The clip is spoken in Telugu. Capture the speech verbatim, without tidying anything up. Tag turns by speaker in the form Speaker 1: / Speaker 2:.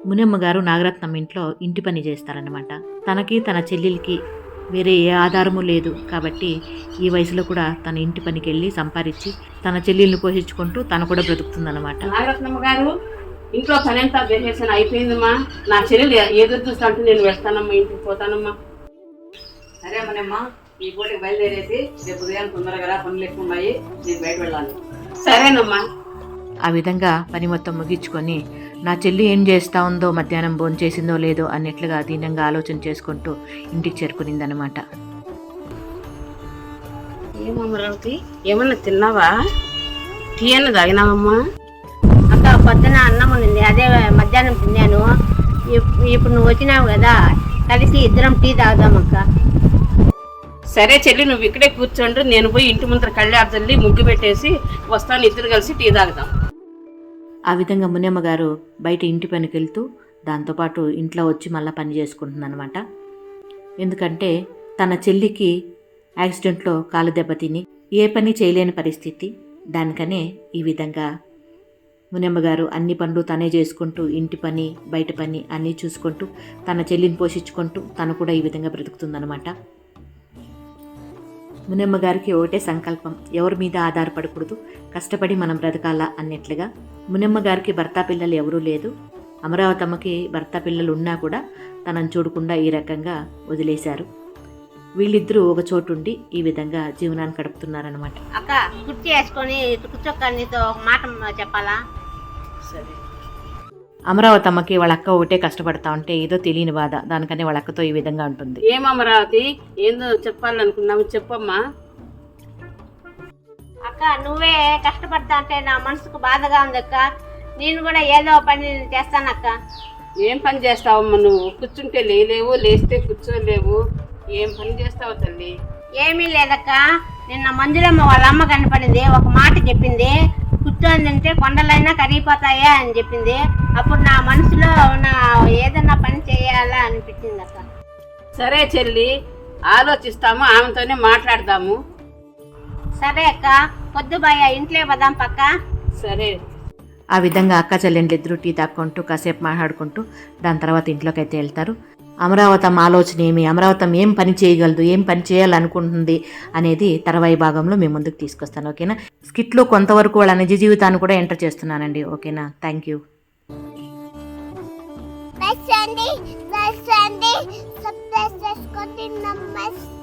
Speaker 1: మునియమ్మ గారు నాగరత్నం ఇంట్లో ఇంటి పని చేస్తారన్నమాట. తనకి తన చెల్లెలికి వేరే ఏ ఆధారము లేదు కాబట్టి ఈ వయసులో కూడా తన ఇంటి పనికి వెళ్ళి సంపాదించి తన చెల్లెల్ని పోషించుకుంటూ తను కూడా బ్రతుకుతుందన్నమాట.
Speaker 2: నాగరత్నమ్మ గారు ఇంట్లో పని ఎంత చేసేసాను అయిపోయిందమ్మా. నా చెల్లెలు ఎదురు చూస్తా అంటే నేను వెళ్తానమ్మా, ఇంటికి పోతానమ్మా.
Speaker 3: సరే మనమ్మా, ఈ పూటకి బయలుదేరేసి రేపు ఉదయం తొందరగా పనులు ఎక్కువ ఉన్నాయి, నేను బయట వెళ్ళాలి.
Speaker 2: సరేనమ్మా.
Speaker 1: ఆ విధంగా పని మొత్తం ముగించుకొని నా చెల్లి ఏం చేస్తా ఉందో, మధ్యాహ్నం భోజనం చేసిందో లేదో అన్నట్లుగా దీనంగా ఆలోచన చేసుకుంటూ ఇంటికి చేరుకునిందనమాట.
Speaker 2: ఏమమ్మరావుకి ఏమన్నా తిన్నావా? టీ అన్న తాగినావమ్మా?
Speaker 4: అక్క పొద్దున అన్నం ఉంది, అదే మధ్యాహ్నం తిన్నాను. ఇప్పుడు నువ్వు వచ్చినావు కదా, కలిసి ఇద్దరం టీ తాగుదాం అక్క.
Speaker 2: సరే చెల్లి, నువ్వు ఇక్కడే కూర్చోండి, నేను పోయి ఇంటి ముందర కళ్ళారు చల్లి ముగ్గు పెట్టేసి వస్తాను, ఇద్దరు కలిసి టీ తాగుదాం.
Speaker 1: ఆ విధంగా మునియమ్మ గారు బయట ఇంటి పనికి వెళ్తూ దాంతోపాటు ఇంట్లో వచ్చి మళ్ళీ పని చేసుకుంటుందన్నమాట. ఎందుకంటే తన చెల్లికి యాక్సిడెంట్లో కాలు దెబ్బతిని ఏ పని చేయలేని పరిస్థితి. దానికనే ఈ విధంగా మునియమ్మ గారు అన్ని పనులు తనే చేసుకుంటూ ఇంటి పని బయట పని అన్నీ చూసుకుంటూ తన చెల్లిని పోషించుకుంటూ తను కూడా ఈ విధంగా బ్రతుకుతుందన్నమాట. మునియమ్మ గారికి ఒకటే సంకల్పం, ఎవరి మీద ఆధారపడకూడదు, కష్టపడి మనం బ్రతకాలా అన్నట్లుగా. మునియమ్మ గారికి భర్త పిల్లలు ఎవరూ లేదు. అమరావతమ్మకి భర్త పిల్లలు ఉన్నా కూడా తనను చూడకుండా ఈ రకంగా వదిలేశారు. వీళ్ళిద్దరూ ఒక చోటుండి ఈ విధంగా జీవనాన్ని గడుపుతున్నారనమాట.
Speaker 4: అక్క కుర్చీ వేసుకొని కూర్చోక్క, నీతో ఒక మాట చెప్పాలా?
Speaker 2: సరే.
Speaker 1: అమరావతమ్మకి వాళ్ళ అక్క ఒకటే కష్టపడతా ఉంటే ఏదో తెలియని బాధ, దానికనే వాళ్ళ అక్కతో ఈ విధంగా ఉంటుంది.
Speaker 2: ఏం అమరావతి, ఏందో చెప్పాలనుకున్నావు, చెప్పమ్మా.
Speaker 4: అక్క నువ్వే కష్టపడతా అంటే నా మనసుకు బాధగా ఉంది అక్క. నేను కూడా ఏదో పని చేస్తానక్క.
Speaker 2: ఏం పని చేస్తావమ్మా నువ్వు? కూర్చుంటే లేలేవు, లేస్తే కూర్చోలేవు, ఏం పని చేస్తావు తల్లి?
Speaker 4: ఏమీ లేదక్క, నిన్న మంజులమ్మ వాళ్ళ అమ్మ కనపడింది, ఒక మాట చెప్పింది, కూర్చోందంటే కొండలైనా కరిగిపోతాయా అని చెప్పింది. అప్పుడు నా మనసులో నా ఏదన్నా పని చేయాలా అనిపించింది అక్క.
Speaker 2: సరే చెల్లి, ఆలోచిస్తాము, ఆమెతోనే మాట్లాడదాము.
Speaker 4: సరే అక్క, పొద్దు బాయ ఇంట్లో పదాం పక్క.
Speaker 2: సరే.
Speaker 1: ఆ విధంగా అక్క చెల్లెండ్లు ఇద్దరు టీ తాక్కుంటూ కాసేపు మాట్లాడుకుంటూ దాని తర్వాత ఇంట్లోకి అయితే వెళ్తారు. అమరావతం ఆలోచన ఏమి, అమరావతం ఏం పని చేయగలదు, ఏం పని చేయాలనుకుంటుంది అనేది తర్వాయి భాగంలో మేము ముందుకు తీసుకొస్తాను. ఓకేనా? స్కిట్లో కొంతవరకు వాళ్ళ నిజ జీవితాన్ని కూడా ఎంటర్ చేస్తున్నానండి. ఓకేనా? Thank you.
Speaker 5: Best friend, best friend, subscribe, subscribe,